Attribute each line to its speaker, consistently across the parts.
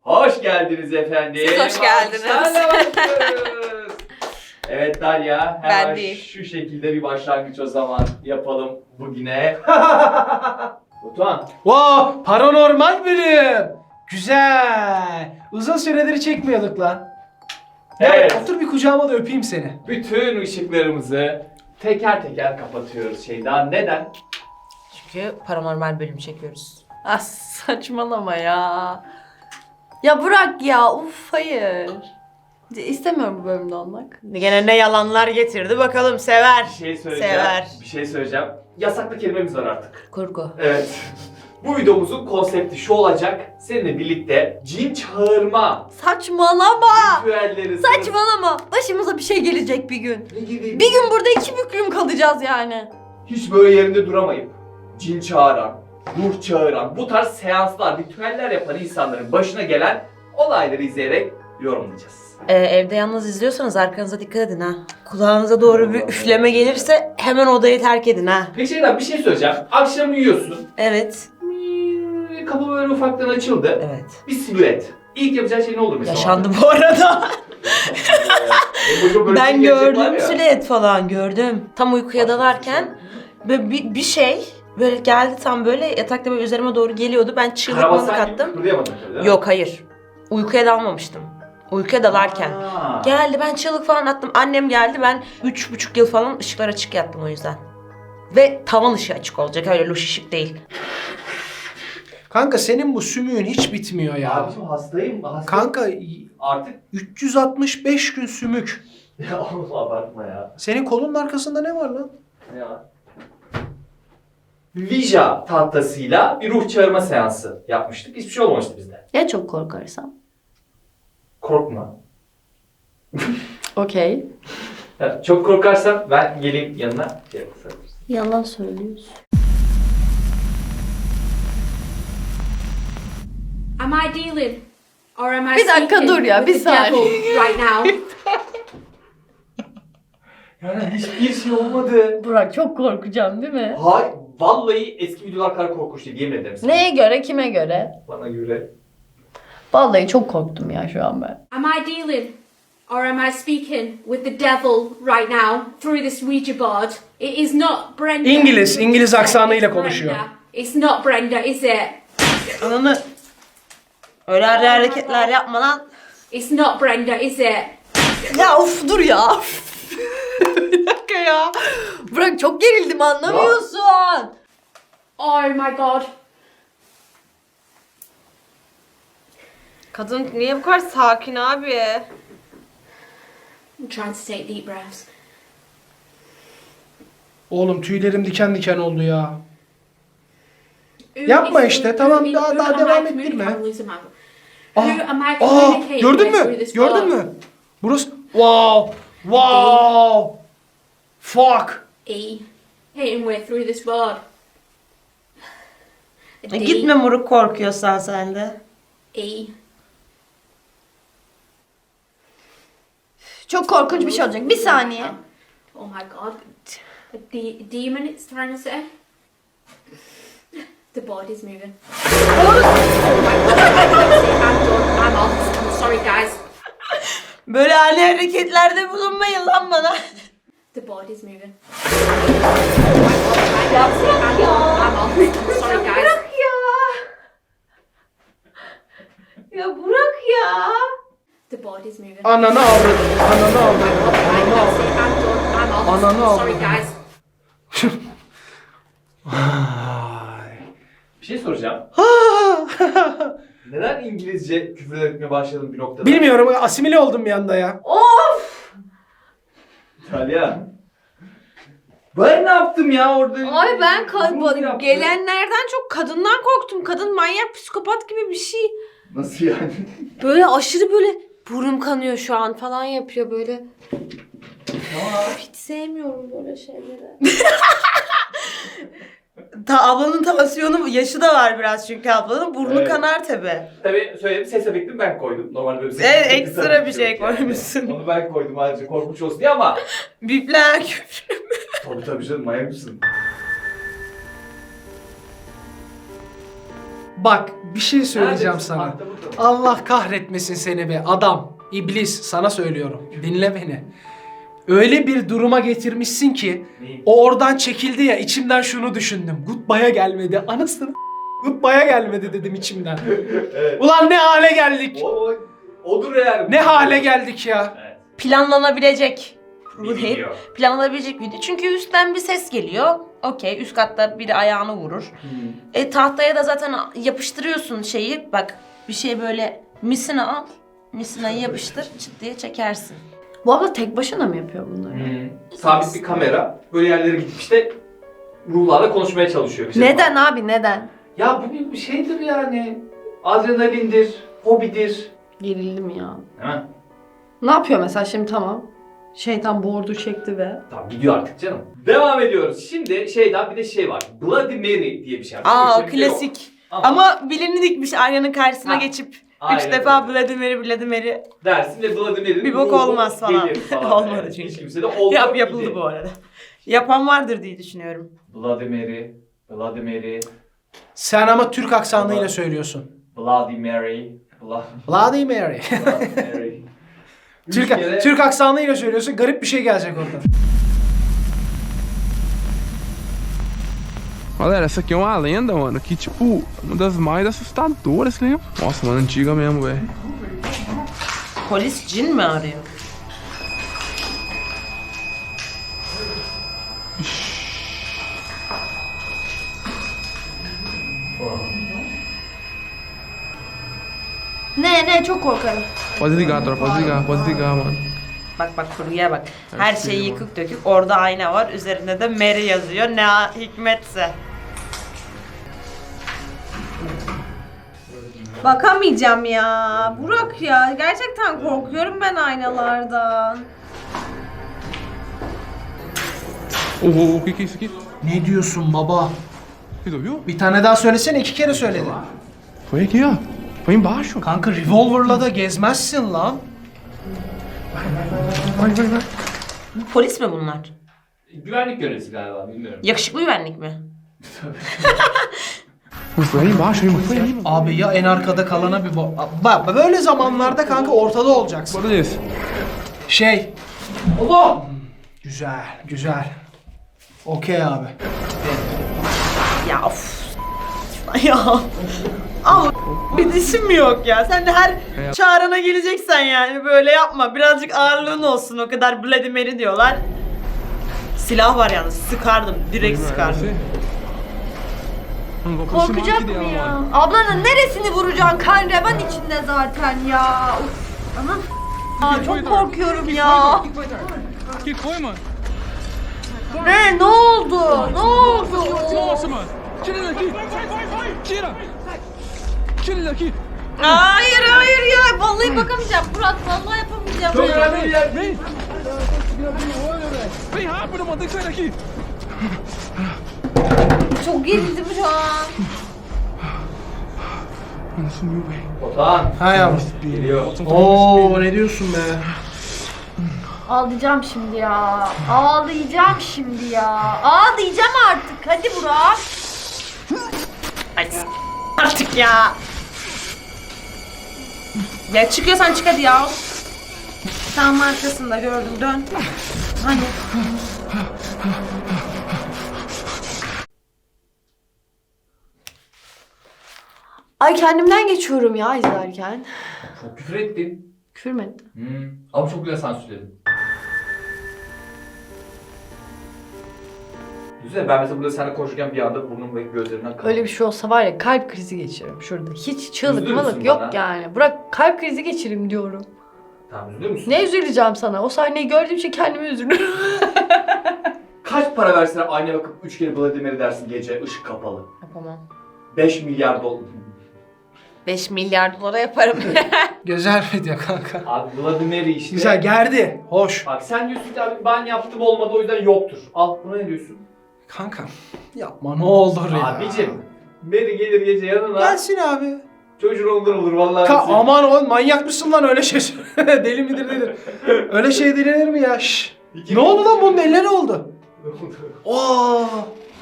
Speaker 1: Hoş geldiniz efendim.
Speaker 2: Siz hoş geldiniz.
Speaker 1: Evet Dalya,
Speaker 2: Ben
Speaker 1: hemen
Speaker 2: değil.
Speaker 1: şu şekilde bir başlangıç o zaman yapalım bugüne. Batuhan.
Speaker 3: Wow, paranormal bölüm. Güzel. Uzun süredir çekmiyorduk lan.
Speaker 1: Evet.
Speaker 3: Gel otur bir kucağıma da öpeyim seni.
Speaker 1: Bütün ışıklarımızı teker teker kapatıyoruz Şeyda. Neden?
Speaker 2: Çünkü paranormal bölüm çekiyoruz. Ah saçmalama ya. Ya bırak ya, uf hayır. İstemiyorum bu bölümde olmak.
Speaker 4: Gene ne yalanlar getirdi bakalım sever.
Speaker 1: Bir şey söyleyeceğim.
Speaker 4: Sever.
Speaker 1: Bir şey söyleyeceğim. Yasaklı kelimemiz var artık.
Speaker 2: Kurgu.
Speaker 1: Evet. Bu videomuzun konsepti şu olacak. Seninle birlikte cin çağırma
Speaker 2: Saçmalama.
Speaker 1: ritüelleri.
Speaker 2: Saçmalama. Başımıza bir şey gelecek bir gün.
Speaker 1: Ne gibi?
Speaker 2: Bir gün burada iki büklüm kalacağız yani.
Speaker 1: Hiç böyle yerinde duramayıp cin çağıran, ruh çağıran, bu tarz seanslar, ritüeller yapan insanların başına gelen olayları izleyerek yorumlayacağız.
Speaker 4: Evde yalnız izliyorsanız arkanıza dikkat edin ha. Kulağınıza doğru bir üfleme gelirse hemen odayı terk edin ha.
Speaker 1: Peki Şeyda, bir şey söyleyeceğim. Akşam uyuyorsun.
Speaker 4: Evet.
Speaker 1: Kapı böyle ufaktan açıldı.
Speaker 4: Evet.
Speaker 1: Bir silüet. İlk yapacağın şey ne olur mesela?
Speaker 4: Yaşandı bu arada.
Speaker 1: Böyle
Speaker 4: Ben
Speaker 1: bir gerçek var
Speaker 4: gördüm
Speaker 1: ya.
Speaker 4: silüet falan gördüm. Tam uykuya dalarken böyle bir şey böyle geldi, tam böyle yatakta böyle üzerime doğru geliyordu. Ben çığlıkmalık
Speaker 1: Karabasan gibi
Speaker 4: attım.
Speaker 1: kıpırdayamadın tabii değil mi?
Speaker 4: Yok hayır. Uykuya dalmamıştım. Uykuya dalarken.
Speaker 1: Aa.
Speaker 4: Geldi, ben çığlık falan attım. Annem geldi, ben 3,5 yıl falan ışıklar açık yattım o yüzden. Ve tavan ışığı açık olacak, öyle loş ışık değil.
Speaker 3: Kanka senin bu sümüğün hiç bitmiyor ya.
Speaker 1: Abicim hastayım.
Speaker 3: Kanka
Speaker 1: Artık
Speaker 3: 365 gün sümük.
Speaker 1: ya oğlum abartma ya.
Speaker 3: Senin kolunun arkasında ne var lan?
Speaker 1: Ne var? Ouija tahtasıyla bir ruh çağırma seansı yapmıştık. Hiçbir şey olmamıştı bizde.
Speaker 2: Ya çok korkarsam?
Speaker 1: Korkma.
Speaker 2: Okey.
Speaker 1: Ya, çok korkarsan ben geleyim yanına. Şey yapalım.
Speaker 2: Yalan söylüyorsun.
Speaker 5: Am I dealing? Or am I
Speaker 2: Bir dakika
Speaker 5: speaking
Speaker 2: dur ya,
Speaker 5: with
Speaker 2: bir
Speaker 5: the devil
Speaker 2: saniye.
Speaker 5: right now?
Speaker 1: Yani hiçbir şey olmadı.
Speaker 2: Burak çok korkacağım değil mi?
Speaker 1: Hay, vallahi eski videolar kadar korkunç değil, yemin ederim sana.
Speaker 2: Neye göre, kime göre?
Speaker 1: Bana göre.
Speaker 2: Vallahi çok korktum ya şu an ben.
Speaker 5: Am I dealing? Or am I speaking with the devil right now through this Ouija board? It is not Brenda.
Speaker 3: İngiliz aksanıyla
Speaker 5: It's Brenda.
Speaker 3: konuşuyor.
Speaker 5: It's not Brenda, is it?
Speaker 4: Ananı öyle hareketler yapma lan.
Speaker 5: It's not Brenda, is it?
Speaker 2: Ya of dur ya. Bir dakika ya. Burak çok gerildim, anlamıyorsun.
Speaker 5: Oh my god.
Speaker 4: Kadın niye bu kadar sakin abi?
Speaker 5: I'm trying to take deep breaths.
Speaker 3: Oğlum tüylerim diken diken oldu ya.
Speaker 5: Who
Speaker 3: Yapma
Speaker 5: is-
Speaker 3: işte,
Speaker 5: who-
Speaker 3: tamam,
Speaker 5: who-
Speaker 3: daha
Speaker 5: who am I
Speaker 3: devam
Speaker 5: communicating-
Speaker 3: ettirme.
Speaker 5: I'm losing my-
Speaker 3: Ah,
Speaker 5: Who am I
Speaker 3: Aa,
Speaker 5: communicating
Speaker 3: gördün
Speaker 5: with through
Speaker 3: mü?
Speaker 5: this
Speaker 3: Gördün
Speaker 5: board?
Speaker 3: mü? Burası wow. Wow. Fuck.
Speaker 5: E. Hitting way through this board. A D,
Speaker 4: Gitme moruk, korkuyorsan sen de.
Speaker 5: E.
Speaker 2: Çok korkunç bir şey olacak. Bir saniye.
Speaker 5: Oh my god. A demon, it's trying to say. The body's moving. Oh my god. I'm done. I'm off. I'm sorry, guys.
Speaker 4: Böyle ani hareketlerde bulunmayın lan bana.
Speaker 5: The body's moving. Oh my god. I'm off. I'm sorry, guys.
Speaker 4: Ya Burak ya.
Speaker 5: The body's moving.
Speaker 3: Ananı avradım. Ananı
Speaker 5: Oh
Speaker 3: avradım.
Speaker 5: my god.
Speaker 3: Ananı avradım.
Speaker 5: I'm done. I'm off.
Speaker 3: Ananı
Speaker 5: I'm sorry,
Speaker 3: avradım.
Speaker 5: guys.
Speaker 3: Ay.
Speaker 1: Bir şey soracağım. Neden İngilizce küfür etmeye başladın bir noktada?
Speaker 3: Bilmiyorum, asimile oldum bir anda ya.
Speaker 1: İtalyan. Ben ne yaptım ya orada?
Speaker 4: Ay ben
Speaker 1: Bunu yaptım.
Speaker 4: gelenlerden çok kadından korktum. Kadın manyak, psikopat gibi bir şey.
Speaker 1: Nasıl yani?
Speaker 4: Böyle aşırı böyle burnum kanıyor şu an falan yapıyor böyle. Hiç sevmiyorum böyle şeyleri. Ablanın tansiyonu, yaşı da var biraz çünkü ablanın. Burnu
Speaker 1: Evet.
Speaker 4: kanar tabi.
Speaker 1: Tabii söyledim, ses efektini ben koydum. Normalde böyle bir ses
Speaker 4: Evet,
Speaker 1: efekti
Speaker 4: ekstra
Speaker 1: tabii
Speaker 4: bir
Speaker 1: ki
Speaker 4: şey
Speaker 1: yok yani.
Speaker 4: koymuşsun.
Speaker 1: Onu ben koydum ayrıca korkunç olsun diye ama
Speaker 4: Bipler küfür.
Speaker 1: tabii canım, manyak mısın?
Speaker 3: Bak bir şey söyleyeceğim
Speaker 1: Neredesin?
Speaker 3: sana.
Speaker 1: Akta burada mı?
Speaker 3: Allah kahretmesin seni be adam. İblis sana söylüyorum. Dinle beni. Öyle bir duruma getirmişsin ki
Speaker 1: Neyi?
Speaker 3: o oradan çekildi ya içimden şunu düşündüm. Goodbye'a gelmedi. Anasını Goodbye'a gelmedi dedim içimden.
Speaker 1: Evet.
Speaker 3: Ulan ne hale geldik.
Speaker 1: Odur yani.
Speaker 3: Ne hale geldik ya.
Speaker 1: Evet.
Speaker 4: Planlanabilecek.
Speaker 1: Bir video.
Speaker 4: Planlanabilecek video. Çünkü üstten bir ses geliyor. Okey, üst katta biri ayağını vurur. Tahtaya da zaten yapıştırıyorsun şeyi. Bak bir şey böyle misina al. Misinayı yapıştır, çıt diye çekersin.
Speaker 2: Bu abla tek başına mı yapıyor bunları?
Speaker 1: Sabit bir kamera. Böyle yerlere gidip işte ruhlarla konuşmaya çalışıyor. Bir şey
Speaker 2: Neden abi neden?
Speaker 1: Ya bu bir şeydir yani. Adrenalindir, hobidir.
Speaker 2: Gerildim ya.
Speaker 1: Değil mi?
Speaker 2: Ne yapıyor mesela şimdi tamam. Şeytan board'u çekti ve...
Speaker 1: Tamam gidiyor artık canım. Devam ediyoruz. Şimdi şeyden bir de şey var. Bloody Mary diye bir şey var.
Speaker 4: Aa
Speaker 1: Öyle bir şey yok.
Speaker 4: klasik.
Speaker 1: Ama
Speaker 4: Ama bilini dikmiş aynanın karşısına
Speaker 1: Ha,
Speaker 4: geçip
Speaker 1: aynen
Speaker 4: 3 defa
Speaker 1: öyle.
Speaker 4: Bloody Mary.
Speaker 1: dersin ve Bloody Mary'nin
Speaker 4: Bir bok
Speaker 1: ruhu
Speaker 4: olmaz falan.
Speaker 1: gelir
Speaker 4: Olmadı
Speaker 1: yani.
Speaker 4: çünkü.
Speaker 1: Hiç kimse de olmadı.
Speaker 4: Yapıldı bu arada. Yapan vardır diye düşünüyorum.
Speaker 1: Bloody Mary, Bloody Mary,
Speaker 3: Sen ama Türk aksanıyla söylüyorsun.
Speaker 1: Bloody Mary,
Speaker 3: Bloody Mary.
Speaker 1: Bloody Mary. Üç
Speaker 3: Türk,
Speaker 1: kere-
Speaker 3: Türk aksanıyla söylüyorsun. Garip bir şey gelecek orada.
Speaker 6: Galera, essa aqui é uma lenda, mano, que tipo, uma das mais assustadoras, lembra? Nossa, mano, antiga mesmo, velho.
Speaker 4: Polis cin mi arıyor?
Speaker 2: Ne çok korkarım.
Speaker 6: Pode desligar, tropa, pode desligar, mano.
Speaker 4: Bak kurguya bak. Her şey yıkık dökük. Orada ayna var. Üzerinde de Mary yazıyor. Ne hikmetse.
Speaker 2: Bakamayacağım ya. Burak ya. Gerçekten korkuyorum ben aynalardan.
Speaker 6: O que que é isso aqui?
Speaker 3: Ne diyorsun baba?
Speaker 6: Você ouviu?
Speaker 3: Bir tane daha söylesene, 2 kere söyledin.
Speaker 6: Foi aqui, ó. Foi embaixo.
Speaker 3: Kanka revolver'la da gezmezsin lan.
Speaker 6: Vai.
Speaker 4: Bu polis mi bunlar?
Speaker 1: Güvenlik görevlisi galiba, bilmiyorum.
Speaker 4: Yakışıklı güvenlik mi?
Speaker 6: Mas foi aí embaixo, hein? Foi aí, mano.
Speaker 3: Abi ya en arkada kalana bir bak böyle zamanlarda kanka ortada olacaksın.
Speaker 6: Bora desse.
Speaker 3: Şey. Allah. Güzel. Okey abi.
Speaker 4: Ya of. Ya. Ama bir dişim mi yok ya? Sen de her çağrına geleceksen yani böyle yapma. Birazcık ağırlığın olsun. O kadar Bloody Mary diyorlar. Silah var yalnız. Sıkardım. Direkt sıkardım.
Speaker 6: Mano, vou aproximar
Speaker 2: Korkacak
Speaker 6: aqui
Speaker 2: mı
Speaker 6: dela,
Speaker 2: ya?
Speaker 6: mano.
Speaker 2: Ablanın neresini vuracaksın? Kan revan içinde zaten ya. Uf. Anam. Aa, çok korkuyorum ya.
Speaker 6: Que foi, mano?
Speaker 2: Ne oldu? Ne oldu?
Speaker 6: Nossa, mano. Tira ele daqui. Tira. Tira ele daqui.
Speaker 2: Hayır ya. Vallahi bakamayacağım. Burak vallahi yapamayacağım.
Speaker 1: Çok önemli bir yer.
Speaker 6: Vem. Vem rápido, mano. Tem que sair daqui.
Speaker 2: Çok gerildim şu an.
Speaker 6: Mano, sumiu, velho.
Speaker 1: Otan.
Speaker 3: Ha yavrum.
Speaker 1: Geliyor.
Speaker 3: Oo ne diyorsun be?
Speaker 2: Ağlayacağım şimdi ya. Ağlayacağım şimdi ya. Ağlayacağım artık. Hadi Burak.
Speaker 4: Ay artık ya. Ya çıkıyorsan çık hadi ya. Tam arkasında gördüm dön. Hani.
Speaker 2: Ay kendimden geçiyorum ya izlerken.
Speaker 1: Çok küfür ettin.
Speaker 2: Küfür mü etti?
Speaker 1: Ama çok güzel sansürledin. Düşünsene ben mesela burada seninle konuşurken bir anda burnum ve gözlerimden kan.
Speaker 2: Öyle bir şey olsa var ya kalp krizi geçiririm şurada. Hiç çığlık
Speaker 1: Üzülür
Speaker 2: malık
Speaker 1: müsün
Speaker 2: yok
Speaker 1: bana?
Speaker 2: yani. Burak kalp krizi geçireyim diyorum.
Speaker 1: Tamam üzülür müsün?
Speaker 2: Ne üzüleceğim sana? O sahneyi gördüğüm için kendime üzülürüm.
Speaker 1: Kaç para verseler aynaya bakıp 3 kere Bloody Mary dersin gece ışık kapalı.
Speaker 4: Yapamam.
Speaker 1: 5 milyar dolar.
Speaker 4: 5 milyar dolara yaparım.
Speaker 3: Güzel video kanka.
Speaker 1: Abi Bloody Mary işte.
Speaker 3: Güzel gerdi. Hoş.
Speaker 1: Bak sen diyorsun ki abi ben yaptım olmadı o yüzden yoktur. Al buna ne diyorsun?
Speaker 3: Kanka yapma ne olur ya.
Speaker 1: Abicim Mary gelir gece yanına.
Speaker 3: Gelsin abi.
Speaker 1: Çocuğun olur vallahi. bizi.
Speaker 3: Aman oğlum manyak mısın lan öyle şey deli midir nedir? Öyle şey denir mi ya? Şşş. Ne oldu lan bunun eline ne oldu? Oo.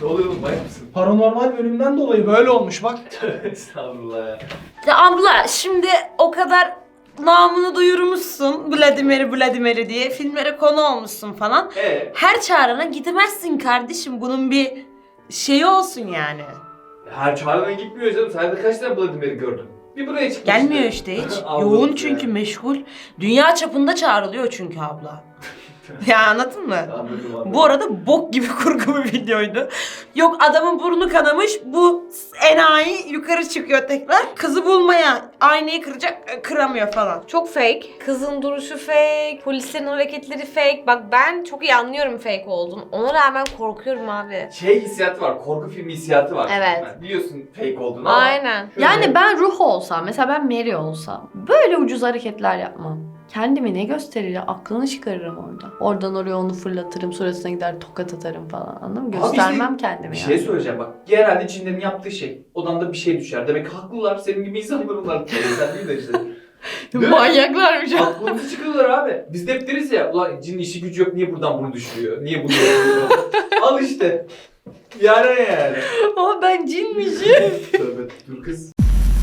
Speaker 1: Ne oluyor oğlum, manyak mısın?
Speaker 3: Paranormal bölümden dolayı böyle olmuş bak.
Speaker 1: Estağfurullah ya.
Speaker 4: Ya abla şimdi o kadar namını duyurmuşsun Vladimir'i diye filmlere konu olmuşsun falan. Her çağrına gidemezsin kardeşim. Bunun bir şeyi olsun yani.
Speaker 1: Her çağrına gitmiyor canım. Sen de kaç tane Vladimir'i gördün? Bir buraya çıkmış.
Speaker 4: Gelmiyor işte hiç.
Speaker 1: Anladım
Speaker 4: Yoğun
Speaker 1: ya.
Speaker 4: çünkü meşgul. Dünya çapında çağrılıyor çünkü abla. Ya anladın mı?
Speaker 1: Anladım.
Speaker 4: Bu arada bok gibi kurgu bir videoydu. Yok adamın burnu kanamış, bu enayi yukarı çıkıyor tekrar. Kızı bulmaya, aynayı kıracak, kıramıyor falan.
Speaker 2: Çok fake. Kızın duruşu fake. Polislerin hareketleri fake. Bak ben çok iyi anlıyorum fake olduğunu. Ona rağmen korkuyorum abi.
Speaker 1: Şey hissiyatı var, korku filmi hissiyatı var.
Speaker 2: Evet.
Speaker 1: Yani biliyorsun fake olduğunu ama.
Speaker 2: Aynen.
Speaker 1: şöyle-
Speaker 2: Yani ben ruh olsam, mesela ben Mary olsam böyle ucuz hareketler yapmam. Kendimi ne gösterir ya? Aklını çıkarırım orada. Oradan oraya onu fırlatırım, suratına gider tokat atarım falan. Anladın mı?
Speaker 1: Abi
Speaker 2: Göstermem
Speaker 1: işte
Speaker 2: kendimi
Speaker 1: Bir
Speaker 2: yani.
Speaker 1: şey söyleyeceğim bak. Genelde cinlerin yaptığı şey. Odanda bir şey düşer. Demek ki haklılar. Senin gibi insanlar onlar. Sen değil de işte. Değil mi?
Speaker 2: Manyaklarmış.
Speaker 1: Aklımızı çıkıyorlar abi. Biz de hep deriz ya. Ulan cinin işi gücü yok. Niye buradan bunu düşürüyor? Niye bunu yapıyor? Al işte. Yani.
Speaker 2: Ama ben cinmişim.
Speaker 1: Tövbe dur kız.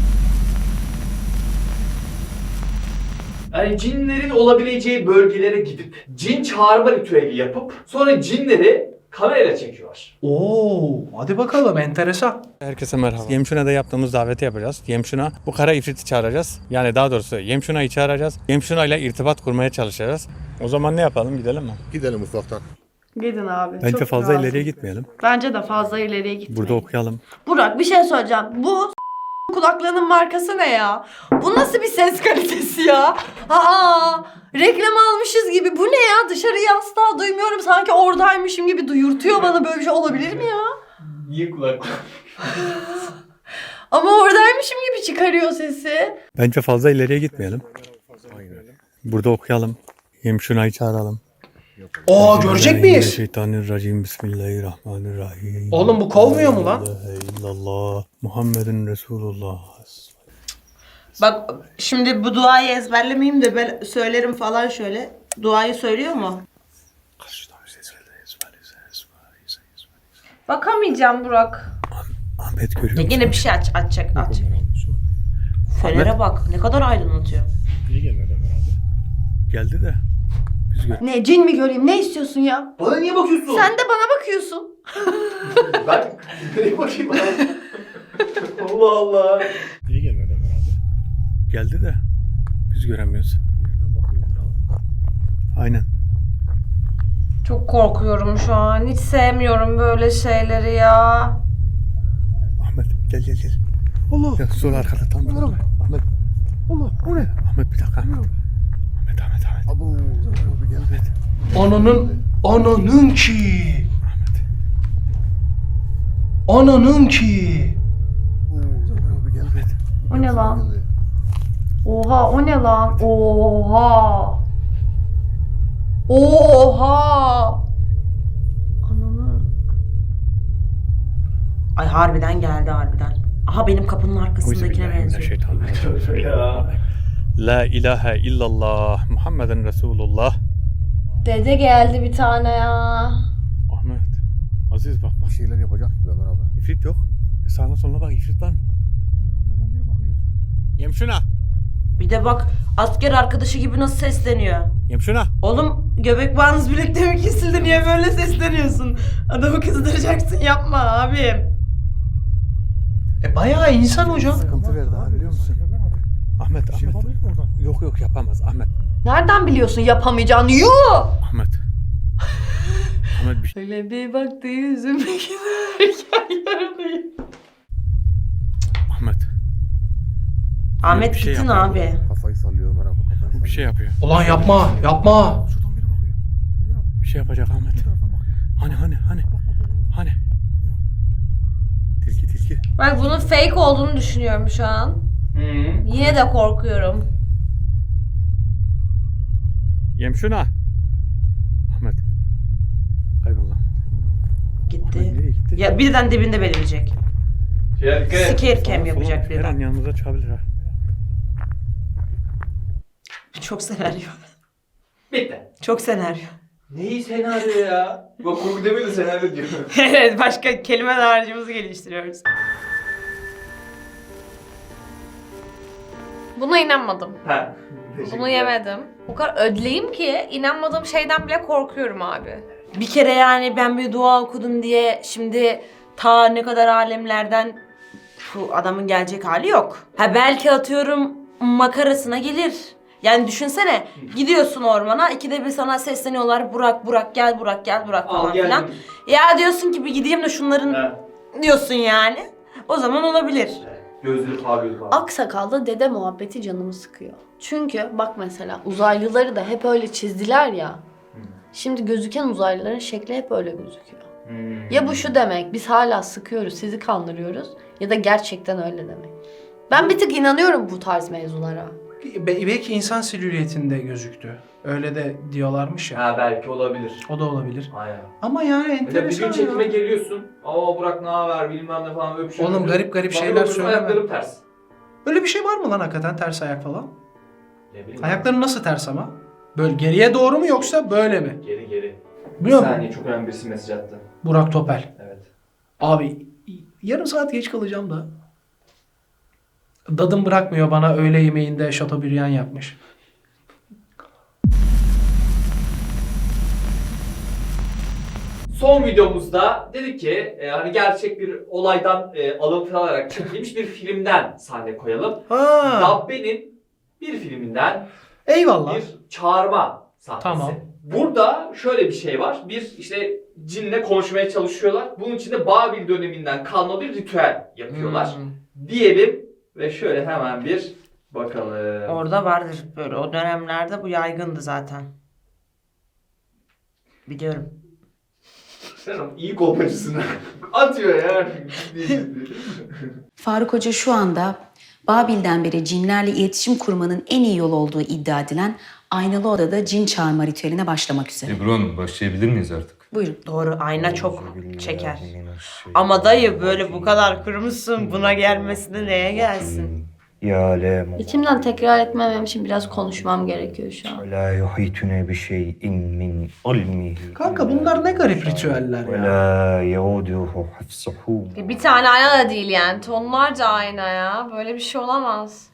Speaker 1: Yani cinlerin olabileceği bölgelere gidip cin çağırma ritüeli yapıp sonra cinleri kamerayla çekiyorlar.
Speaker 3: Oo, hadi bakalım enteresan.
Speaker 7: Herkese merhaba. Yemşuna'da yaptığımız daveti yapacağız. Yemşuna bu kara ifriti çağıracağız. Yani daha doğrusu Yemşuna'yı çağıracağız. Yemşuna ile irtibat kurmaya çalışacağız. O zaman ne yapalım? Gidelim mi?
Speaker 8: Gidelim ufaktan.
Speaker 2: Gidin abi.
Speaker 7: Bence
Speaker 2: Çok
Speaker 7: fazla
Speaker 2: lazım.
Speaker 7: ileriye gitmeyelim.
Speaker 2: Bence de fazla ileriye gitmeyin.
Speaker 7: Burada okuyalım.
Speaker 2: Burak bir şey söyleyeceğim. Bu kulaklığının markası ne ya? Bu nasıl bir ses kalitesi ya? Aa, reklam almışız gibi. Bu ne ya? Dışarıyı asla duymuyorum. Sanki oradaymışım gibi duyurtuyor bana. Böyle bir şey olabilir mi ya?
Speaker 1: Niye kulak?
Speaker 2: Ama oradaymışım gibi çıkarıyor sesi.
Speaker 7: Bence fazla ileriye gitmeyelim. Burada okuyalım. Yemşuna'yı çağıralım.
Speaker 3: Oo, görecek miyiz?
Speaker 7: Şeytanirracim. Bismillahirrahmanirrahim.
Speaker 3: Oğlum bu kovmuyor mu lan?
Speaker 7: La ilahe illallah. Muhammedun Resulullah.
Speaker 4: Bak şimdi bu duayı ezberlemeyeyim de ben söylerim falan şöyle. Duayı söylüyor mu? Bakamayacağım Burak.
Speaker 7: Ahmet görüyor
Speaker 4: Ya
Speaker 7: musun?
Speaker 4: yine bir şey açacak. Fener'e bak ne kadar aydınlatıyor.
Speaker 7: Niye gelmedi Ömer abi? Geldi de. Biz gör.
Speaker 2: Ne cin mi göreyim? Ne istiyorsun ya?
Speaker 1: Bana niye bakıyorsun?
Speaker 2: Sen de bana bakıyorsun.
Speaker 1: Ben nereye bakayım abi? Allah Allah.
Speaker 7: Niye gelmedi Ömer abi? Geldi de. Biz göremiyoruz. Birden bakıyoruz abi. Aynen.
Speaker 2: Çok korkuyorum şu an. Hiç sevmiyorum böyle şeyleri ya.
Speaker 7: Ahmet gel gel gel. Allah. Ya sol arkada tam. Ahmet. Allah. O ne? Ahmet bir dakika. Ahmet. Ahmet.
Speaker 8: Abo, abi gel.
Speaker 7: Ahmet.
Speaker 3: Ananın ki. Ananın ki.
Speaker 8: Abi gel.
Speaker 7: Ahmet.
Speaker 2: O ne lan? Oha o ne lan? Oha. Oha. Ananı.
Speaker 4: Ay harbiden geldi harbiden. Aha benim kapının arkasındakine benziyor.
Speaker 1: Ya.
Speaker 7: La ilahe illallah Muhammeden Resulullah.
Speaker 2: Dede geldi bir tane ya.
Speaker 7: Ahmet. Aziz bak bak.
Speaker 8: Bir şeyler yapacak gibi Ömer abi.
Speaker 7: İfrit yok. Sağına soluna bak ifrit var mı? Biri bakıyor. Yemşuna.
Speaker 4: Bir de bak asker arkadaşı gibi nasıl sesleniyor.
Speaker 7: Yemşuna.
Speaker 4: Oğlum göbek bağınız birlikte mi kesildi, niye böyle sesleniyorsun? Adamı kızdıracaksın, yapma abim.
Speaker 3: Bayağı insan hocam.
Speaker 8: Sıkıntı verdi abi biliyor musun?
Speaker 7: Ahmet. Ahmet. Yok yapamaz Ahmet.
Speaker 2: Nereden biliyorsun yapamayacağını? Yuh!
Speaker 7: Ahmet. Ahmet bir şey.
Speaker 2: Öyle bir baktı yüzüme giderken yerdeyim.
Speaker 7: Ahmet.
Speaker 4: Ahmet
Speaker 7: bir şey
Speaker 4: gittin
Speaker 7: yapıyor.
Speaker 4: abi.
Speaker 8: Kafayı sallıyor Ömer abi. Kafayı
Speaker 7: Bu bir
Speaker 8: sallıyor.
Speaker 7: şey yapıyor.
Speaker 3: Ulan yapma.
Speaker 8: Şuradan biri bakıyor.
Speaker 7: Bir şey yapacak Ahmet. Hani. Tilki.
Speaker 2: Bak bunun fake olduğunu düşünüyorum şu an. Yine de korkuyorum.
Speaker 7: Yemşuna. Ahmet. Kayboldu. Ahmet
Speaker 4: Gitti.
Speaker 7: nereye gitti?
Speaker 4: Ya birden dibinde belirecek.
Speaker 1: Ya dikkat et.
Speaker 4: Scare cam
Speaker 7: Sola
Speaker 4: yapacak
Speaker 7: Her an
Speaker 4: birden.
Speaker 7: yanımıza çıkabilir ha.
Speaker 4: Çok senaryo.
Speaker 1: Bitti.
Speaker 4: Çok senaryo.
Speaker 1: Neyi senaryo ya? Bak kurgu demiyor da senaryo diyor.
Speaker 4: Evet, başka kelime dağarcığımızı geliştiriyoruz.
Speaker 2: Buna inanmadım.
Speaker 1: Ha.
Speaker 2: Bunu yemedim. O kadar ödleyim ki inanmadığım şeyden bile korkuyorum abi.
Speaker 4: Bir kere yani ben bir dua okudum diye şimdi ta ne kadar alemlerden şu adamın gelecek hali yok. Ha belki atıyorum makarasına gelir. Yani düşünsene gidiyorsun ormana, ikide bir sana sesleniyorlar, Burak Burak gel, Burak gel, Burak falan filan. Ya diyorsun ki bir gideyim de şunların diyorsun yani. O zaman olabilir.
Speaker 1: Gözleri parlıyor falan.
Speaker 2: Aksakallı dede muhabbeti canımı sıkıyor. Çünkü bak mesela uzaylıları da hep öyle çizdiler ya. Şimdi gözüken uzaylıların şekli hep öyle gözüküyor. Ya bu şu demek, biz hala sıkıyoruz, sizi kandırıyoruz ya da gerçekten öyle demek. Ben bir tık inanıyorum bu tarz mevzulara.
Speaker 3: Belki insan silüetinde gözüktü. Öyle de diyorlarmış ya.
Speaker 1: Ha belki olabilir.
Speaker 3: O da olabilir.
Speaker 1: Aynen.
Speaker 3: Ama yani
Speaker 1: Mesela bir
Speaker 3: enteresan
Speaker 1: gün çekime
Speaker 3: ya.
Speaker 1: geliyorsun. Aa Burak ne haber bilmem ne falan öpüşüyor.
Speaker 3: Oğlum garip garip şeyler söyleme.
Speaker 1: Ayaklarım ters.
Speaker 3: Öyle bir şey var mı lan hakikaten ters ayak falan?
Speaker 1: Ne bileyim.
Speaker 3: Ayakların nasıl ters ama? Böyle geriye doğru mu yoksa böyle mi?
Speaker 1: Geri. Bir
Speaker 3: Biliyor musun?
Speaker 1: saniye çok önemli birisi mesaj attı.
Speaker 3: Burak Topel.
Speaker 1: Evet.
Speaker 3: Abi yarım saat geç kalacağım da. Dadım bırakmıyor bana, öğle yemeğinde şatobriyan yapmış.
Speaker 1: Son videomuzda dedik ki hani gerçek bir olaydan alıntı alarak çekilmiş bir filmden sahne koyalım.
Speaker 3: Ha.
Speaker 1: Dabbe'nin bir filminden
Speaker 3: Eyvallah.
Speaker 1: bir çağırma sahnesi.
Speaker 3: Tamam.
Speaker 1: Burada şöyle bir şey var. Bir işte cinle konuşmaya çalışıyorlar. Bunun için de Babil döneminden kalma bir ritüel yapıyorlar. Diyelim ve şöyle hemen bir bakalım.
Speaker 4: Orada vardır böyle, o dönemlerde bu yaygındı zaten. Biliyorum.
Speaker 1: Sen o iyi kolpacısın. Atıyor ya.
Speaker 9: Faruk Hoca şu anda Babil'den beri cinlerle iletişim kurmanın en iyi yol olduğu iddia edilen aynalı odada cin çağırma ritüeline başlamak üzere.
Speaker 10: Ebru Hanım başlayabilir miyiz artık?
Speaker 9: Buyurun.
Speaker 4: Doğru, ayna çok çeker. Ama dayı böyle bu kadar kurmuşsun, buna gelmesine neye gelsin?
Speaker 8: Ya le
Speaker 2: İçimden tekrar etmemem için biraz konuşmam gerekiyor şu an.
Speaker 8: la yuhitune bi şeyin min ilmihi.
Speaker 3: Kanka bunlar ne garip ritüeller
Speaker 8: Ve
Speaker 3: ya.
Speaker 8: la yauduhu hafsuhu.
Speaker 2: Bir tane ayna da değil yani. Tonlarca ayna ya. Böyle bir şey olamaz.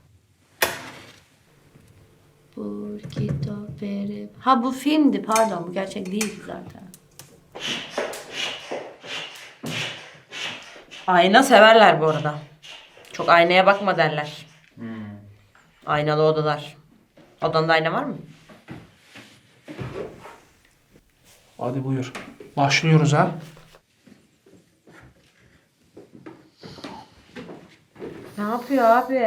Speaker 2: Ha bu filmdi, pardon, bu gerçek değildi zaten.
Speaker 4: Ayna severler bu arada. Çok aynaya bakma derler. Aynalı odalar. Odanda ayna var mı?
Speaker 3: Hadi buyur. Başlıyoruz ha.
Speaker 2: Ne yapıyor abi?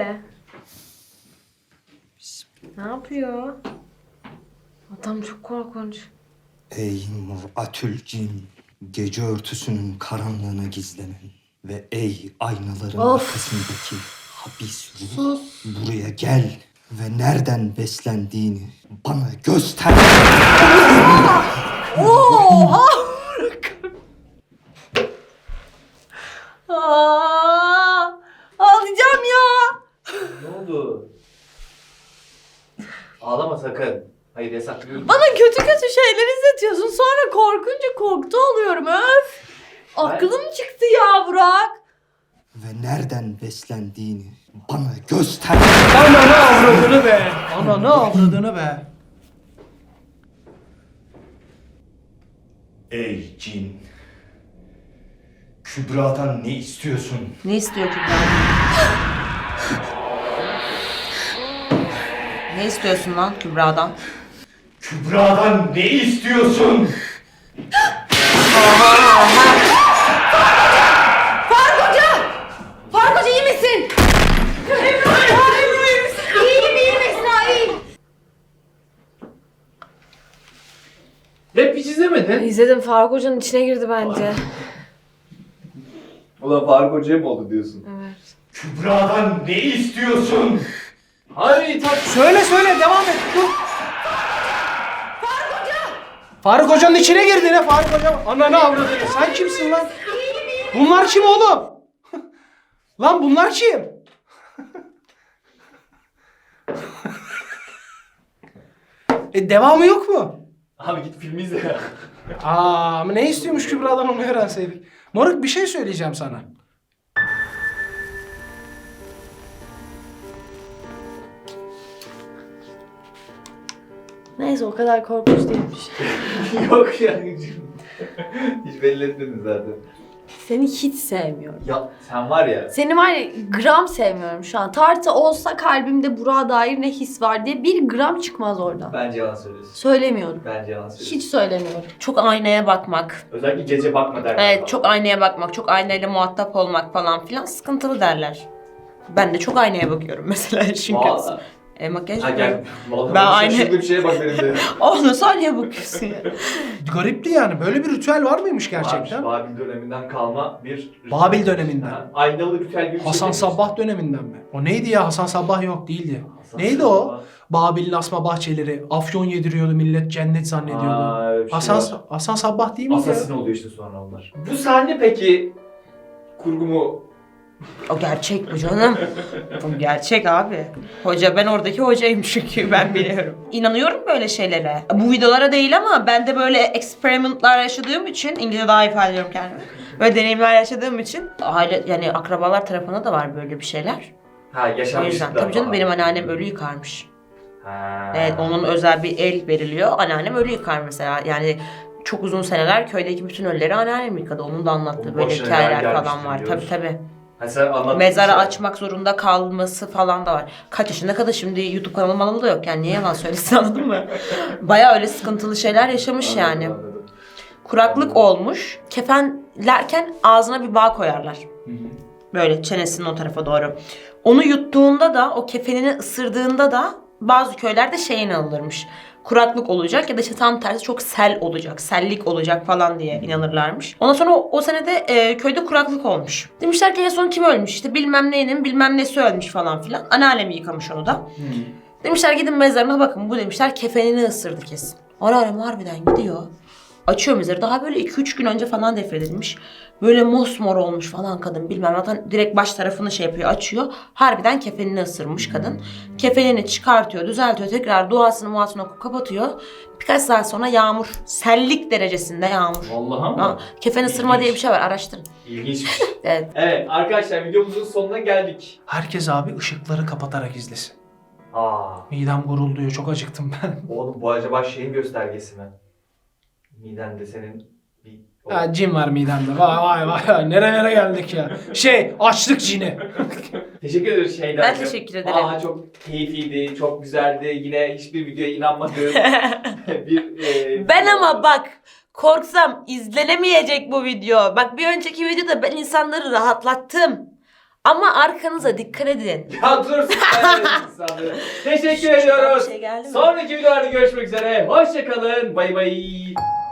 Speaker 2: Ne yapıyor? Adam çok korkunç.
Speaker 8: Ey mur'atül cin, gece örtüsünün karanlığına gizlenen ve ey aynaların
Speaker 2: Of.
Speaker 8: arkasındaki habis ruh,
Speaker 2: Sus.
Speaker 8: buraya gel ve nereden beslendiğini bana göster.
Speaker 2: Oha! Aa, ağlayacağım ya.
Speaker 1: Ne oldu? Ağlama sakın. Hayır yasaklıyorum.
Speaker 2: Bana kötü kötü şeyler izletiyorsun. Sonra korkunca korktu oluyorum. Öf. Aklım çıktı ya Burak.
Speaker 8: Ve nereden beslendiğini bana göster.
Speaker 3: Ananı avradını be. Ananı avradını be.
Speaker 8: Ey cin, Kübra'dan ne istiyorsun?
Speaker 4: Ne istiyor Kübra? Ne istiyorsun lan Kübra'dan?
Speaker 8: Kübra'dan ne istiyorsun?
Speaker 2: Faruk Hoca iyi misin? İyiyim Esra, iyiyim.
Speaker 1: Rap hiç izlemedin.
Speaker 2: İzledim, Faruk Hoca'nın içine girdi bence.
Speaker 1: Ulan Faruk Hoca'ya mı oldu diyorsun?
Speaker 2: Evet.
Speaker 8: Kübra'dan ne istiyorsun?
Speaker 1: Hayır tak.
Speaker 3: Söyle devam et. Dur. Faruk Hoca'nın içine girdi ne Faruk Hoca? Ananı avradını. Sen kimsin lan? Bunlar kim oğlum? Lan bunlar kim? Devamı yok mu?
Speaker 1: Abi git film izle ya.
Speaker 3: Ama ne istiyormuş Kübra'dan onu öğrenseydik. Moruk bir şey söyleyeceğim sana.
Speaker 2: Neyse o kadar korkunç değilmiş.
Speaker 1: Yok yani. Hiç belli etmedin zaten.
Speaker 2: Seni hiç sevmiyorum.
Speaker 1: Ya sen var ya.
Speaker 2: Seni var ya gram sevmiyorum şu an. Tartı olsa kalbimde Burak'a dair ne his var diye bir gram çıkmaz oradan.
Speaker 1: Bence yalan söylüyorsun.
Speaker 2: Söylemiyorum.
Speaker 1: Bence yalan söylüyorsun.
Speaker 2: Hiç söylemiyorum.
Speaker 4: Çok aynaya bakmak.
Speaker 1: Özellikle gece bakma derler.
Speaker 4: Evet, çok aynaya bakmak, çok aynayla muhatap olmak falan filan sıkıntılı derler. Ben de çok aynaya bakıyorum mesela çünkü.
Speaker 1: Valla.
Speaker 4: Makyaj
Speaker 1: Ha
Speaker 4: yapıyorum.
Speaker 1: gel. Vallahi
Speaker 4: Ben
Speaker 1: ben
Speaker 4: aynı-
Speaker 1: şaşırdığım şeye bak benim de.
Speaker 4: Oğlum sen niye bakıyorsun ya?
Speaker 3: Garipti yani. Böyle bir ritüel var mıymış gerçekten?
Speaker 1: Babil döneminden kalma bir...
Speaker 3: Babil döneminden.
Speaker 1: Ha, aynalı ritüel gibi bir
Speaker 3: Hasan
Speaker 1: şey demiş.
Speaker 3: Sabbah döneminden mi? O neydi ya? Hasan Sabbah yok değildi.
Speaker 1: Hasan
Speaker 3: Neydi
Speaker 1: Sabbah.
Speaker 3: o? Babil'in asma bahçeleri. Afyon yediriyordu millet cennet zannediyordu.
Speaker 1: Aa, öyle bir şey var.
Speaker 3: Hasan Sabbah değil miydi ya?
Speaker 1: Assassin oluyor işte sonra onlar. Bu sahne peki kurgu mu?
Speaker 4: O gerçek bu canım. Bu gerçek abi. Hoca, ben oradaki hocayım çünkü ben biliyorum. İnanıyorum böyle şeylere. Bu videolara değil ama ben de böyle experimentlar yaşadığım için, İngilizce daha iyi ifade ediyorum kendimi. Böyle deneyimler yaşadığım için aile yani akrabalar tarafında da var böyle bir şeyler.
Speaker 1: Ha
Speaker 4: O
Speaker 1: yaşanmışlıklar
Speaker 4: yüzden tabii canım
Speaker 1: falan.
Speaker 4: benim anneannem ölü yıkarmış.
Speaker 1: Ha.
Speaker 4: Evet, onun özel bir el veriliyor. Anneannem ölü yıkar mesela. Yani çok uzun seneler köydeki bütün ölüleri anneannem yıkadı. Onun da anlattığı
Speaker 1: Onun
Speaker 4: böyle
Speaker 1: başına
Speaker 4: hikayeler
Speaker 1: neler
Speaker 4: falan
Speaker 1: gelmiştir
Speaker 4: var.
Speaker 1: diyoruz.
Speaker 4: Tabii tabii.
Speaker 1: Ha sen anlattın.
Speaker 4: Mezarı
Speaker 1: şey.
Speaker 4: açmak zorunda kalması falan da var. Kaç yaşında kadın, şimdi YouTube kanalı manalı da yok yani, niye yalan söylesin, anladın mı? Baya öyle sıkıntılı şeyler yaşamış yani.
Speaker 1: Anladım.
Speaker 4: Kuraklık olmuş. Kefenlerken ağzına bir bağ koyarlar.
Speaker 1: Hı hı.
Speaker 4: Böyle çenesinin o tarafa doğru. Onu yuttuğunda da, o kefenini ısırdığında da bazı köylerde şey inanılırmış. Kuraklık olacak ya da işte tam tersi çok sel olacak, sellik olacak falan diye inanırlarmış. Ondan sonra o senede köyde kuraklık olmuş. Demişler ki en son kim ölmüş? İşte bilmem neyinin bilmem nesi ölmüş falan filan. Anneannem yıkamış onu da. Demişler gidin mezarına bakın. Bu demişler kefenini ısırdı kesin. Anneannem harbiden gidiyor. Açıyor mezarı. Daha böyle 2-3 gün önce falan defnedilmiş. Böyle mosmor olmuş falan kadın, bilmem. Zaten direkt baş tarafını şey yapıyor, açıyor. Harbiden kefenini ısırmış kadın. Kefenini çıkartıyor, düzeltiyor. Tekrar duasını okup kapatıyor. Birkaç saat sonra yağmur. Sellik derecesinde yağmur.
Speaker 1: Vallahi mı?
Speaker 4: Ha, kefen ısırma diye bir şey var, araştırın.
Speaker 1: İlginçmiş.
Speaker 4: Evet.
Speaker 1: Evet arkadaşlar videomuzun sonuna geldik.
Speaker 3: Herkes abi ışıkları kapatarak izlesin.
Speaker 1: Aa,
Speaker 3: Midem gurulduyor. Çok acıktım ben.
Speaker 1: oğlum bu acaba şeyin göstergesi mi? Midende senin bir...
Speaker 3: Ya cin var midemde. Vay vay vay. Nerelere geldik ya. Açlık cini.
Speaker 1: Teşekkür ederiz şeyden.
Speaker 4: Ben teşekkür ederim.
Speaker 1: Aa çok keyifliydi, çok güzeldi. Yine hiçbir videoya inanmadığım bir...
Speaker 4: Ben ama bak, korksam izlenemeyecek bu video. Bak, bir önceki videoda ben insanları rahatlattım. Ama arkanıza dikkat edin.
Speaker 1: Ya dur sen insanları. Teşekkür ediyoruz.
Speaker 4: Bir şey geldi mi?
Speaker 1: Sonraki videolarda görüşmek üzere. Hoşçakalın. Bay bay.